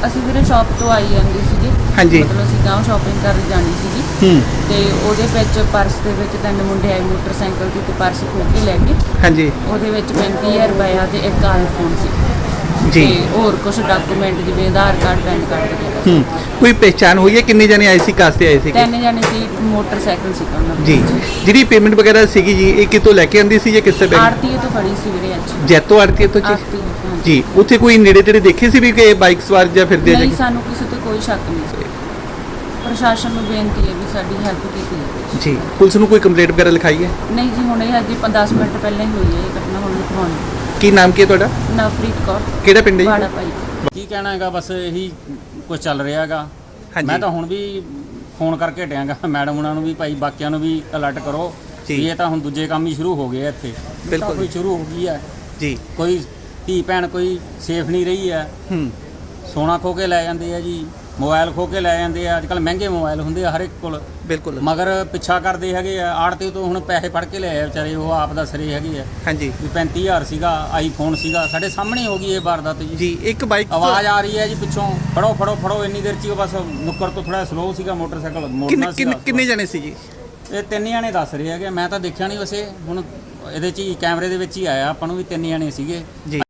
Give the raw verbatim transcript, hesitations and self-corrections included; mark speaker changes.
Speaker 1: ਅਸੀਂ ਵੀਰੇ ਸ਼ਾਪ ਤੋਂ ਆਈ ਜਾਂਦੀ ਸੀਗੀ।
Speaker 2: ਹਾਂਜੀ।
Speaker 1: ਮਤਲਬ ਅਸੀਂ ਗਾਂਵ ਸ਼ਾਪਿੰਗ ਕਰਨ ਜਾਣੀ ਸੀਗੀ
Speaker 2: ਹੂੰ
Speaker 1: ਤੇ ਉਹਦੇ ਵਿੱਚ ਪਰਸ ਦੇ ਵਿੱਚ ਤਿੰਨ ਮੁੰਡੇ ਆਏ ਮੋਟਰਸਾਈਕਲ ਤੇ ਤੇ ਪਰਸ ਖੋਹ ਕੇ ਲੈ ਗਏ।
Speaker 2: ਹਾਂਜੀ
Speaker 1: ਉਹਦੇ ਵਿੱਚ ਪੈਂਤੀ ਹਜ਼ਾਰ ਰੁਪਇਆ ਤੇ ਇੱਕ ਆਈਫੋਨ ਸੀ
Speaker 2: ਜੀ।
Speaker 1: ਤੇ ਹੋਰ ਕੁਝ ਡਾਕੂਮੈਂਟ ਜਿਵੇਂ ਆਧਾਰ ਕਾਰਡ ਪੈਨ ਕਾਰਡ ਵਗੈਰਾ।
Speaker 2: ਹੂੰ ਕੋਈ ਪਹਿਚਾਣ ਹੋਈ ਹੈ ਕਿੰਨੇ ਜਣੇ ਆਏ ਸੀ ਕਾਸਤੇ ਆਏ ਸੀ
Speaker 1: ਤਿੰਨ ਜਣੇ ਸੀ ਮੋਟਰਸਾਈਕਲ ਸੀ ਉਹਨਾਂ
Speaker 2: ਜੀ। ਜਿਹੜੀ ਪੇਮੈਂਟ ਵਗੈਰਹ ਸੀਗੀ ਜੀ ਇਹ ਕਿਤੋਂ ਲੈ ਕੇ ਆਂਦੀ ਸੀ ਜਾਂ ਕਿਸੇ ਬੈਂਕ
Speaker 1: ਆਰਤੀ ਤੋਂ ਫੜੀ ਸੀ ਵੀਰੇ ਅੱਜ।
Speaker 2: ਜੈਤੋ ਆੜਤੀ ਤੋਂ ਜੀ
Speaker 1: ਆਰਤੀ
Speaker 2: ਜੀ। ਉੱਥੇ ਕੋਈ ਨੇੜੇ ਤੇੜੇ ਦੇਖੇ ਸੀ ਵੀ ਕਿ ਬਾਈਕ ਸਵਾਰ ਜਾਂ ਫਿਰਦੇ ਆ
Speaker 1: ਨਹੀਂ
Speaker 2: ਜੀ?
Speaker 1: ਸਾਨੂੰ ਕਿਸੇ ਤੇ ਕੋਈ ਸ਼ੱਕ ਨਹੀਂ ਸੀ। ਪ੍ਰਸ਼ਾਸਨ ਨੂੰ ਬੇਨਤੀ ਹੈ ਵੀ ਸਾਡੀ ਹੈਲਪ ਕੀਤੀ ਜਾਵੇ
Speaker 2: ਜੀ। ਪੁਲਿਸ ਨੂੰ ਕੋਈ ਕੰਪਲੇਂਟ ਵਗੈरह ਲਿਖਾਈ ਹੈ?
Speaker 1: ਨਹੀਂ ਜੀ ਹੁਣੇ ਹਜੇ ਦਸ ਮਿੰਟ ਪਹਿਲਾਂ ਹੀ ਹੋਈ ਹੈ ਇਹ ਘਟਨਾ। ਹੁਣ ਲਿਖਵਾਉਣੀ।
Speaker 2: ਕੀ ਨਾਮ ਕੀ ਹੈ ਤੁਹਾਡਾ?
Speaker 1: ਨਵਪ੍ਰੀਤ ਕੌਰ,
Speaker 2: ਕਿਹੜਾ ਪਿੰਡ ਹੈ
Speaker 1: ਵਾੜਾ
Speaker 2: ਜੀ?
Speaker 1: ਭਾਈ।
Speaker 3: ਕੀ ਕਹਿਣਾ ਹੈਗਾ, ਬਸ ਇਹੀ ਕੁਝ ਚੱਲ ਰਿਹਾ ਹੈਗਾ।
Speaker 2: ਹਾਂਜੀ।
Speaker 3: ਮੈਂ ਤਾਂ ਹੁਣ ਵੀ ਫੋਨ ਕਰਕੇ ਹਟਿਆਂਗਾ ਮੈਡਮ ਉਹਨਾਂ ਨੂੰ ਵੀ ਭਾਈ ਬਾਕੀਆਂ ਨੂੰ ਵੀ ਅਲਰਟ ਕਰੋ
Speaker 2: ਜੀ।
Speaker 3: ਵੀ ਇਹ ਤਾਂ ਹੁਣ ਦੂਜੇ ਕੰਮ ਹੀ ਸ਼ੁਰੂ ਹੋ ਗਏ ਆ ਇੱਥੇ।
Speaker 2: ਬਿਲਕੁਲ।
Speaker 3: ਕੋਈ ਸ਼ੁਰੂ ਹੋ ਗਈ ਹੈ
Speaker 2: ਜੀ।
Speaker 3: ਕੋਈ ਧੀ ਭੈਣ ਕੋਈ ਸੇਫ ਨਹੀਂ ਰਹੀ ਹੈ।
Speaker 2: ਹੂੰ
Speaker 3: ਸੋਨਾ ਖੋ ਕੇ ਲੈ ਜਾਂਦੇ ਆ ਜੀ, ਮੋਬਾਈਲ ਖੋ ਕੇ ਲੈ ਜਾਂਦੇ ਆ। ਅੱਜ ਕੱਲ੍ਹ ਮਹਿੰਗੇ ਮੋਬਾਈਲ ਹੁੰਦੇ ਆ ਹਰ ਇੱਕ ਕੋਲ,
Speaker 2: ਬਿਲਕੁਲ।
Speaker 3: ਮਗਰ ਪਿੱਛਾ ਕਰਦੇ ਹੈਗੇ ਆ। ਆੜਤੀ ਤੋਂ ਹੁਣ ਪੈਸੇ ਫੜ ਕੇ ਲਿਆਏ ਵਿਚਾਰੇ, ਉਹ ਆਪ ਦਾ ਸਰੇ ਹੈਗੇ ਆ
Speaker 2: ਹਾਂਜੀ
Speaker 3: ਵੀ ਪੈਂਤੀ ਹਜ਼ਾਰ ਸੀਗਾ, ਆਈਫੋਨ ਸੀਗਾ। ਸਾਡੇ ਸਾਹਮਣੇ ਹੋ ਗਈ ਇਹ ਵਾਰਦਾਤ ਜੀ।
Speaker 2: ਜੀ। ਇੱਕ ਬਾਈਕ
Speaker 3: ਆਵਾਜ਼ ਆ ਰਹੀ ਹੈ ਜੀ ਪਿੱਛੋਂ, ਫੜੋ ਫੜੋ ਫੜੋ। ਇੰਨੀ ਦੇਰ ਚ ਹੀ ਉਹ ਬਸ ਨੁੱਕਰ ਤੋਂ ਥੋੜਾ ਸਲੋ ਸੀਗਾ ਮੋਟਰਸਾਈਕਲ ਮੋੜਨਾ
Speaker 2: ਕਿੰਨੇ
Speaker 3: ਸੀਗਾ।
Speaker 2: ਕਿੰਨੇ ਕਿੰਨੇ ਜਣੇ ਸੀ ਜੀ?
Speaker 3: ਇਹ ਤਿੰਨ ਜਣੇ ਦੱਸ ਰਹੇ ਹੈਗੇ, ਮੈਂ ਤਾਂ ਦੇਖਿਆ ਨਹੀਂ ਵੈਸੇ। ਹੁਣ ਇਹਦੇ ਚ ਹੀ ਕੈਮਰੇ ਦੇ ਵਿੱਚ ਹੀ ਆਇਆ ਆਪਾਂ ਨੂੰ ਵੀ ਤਿੰਨ ਜਣੇ ਸੀਗੇ।
Speaker 2: ਜੀ।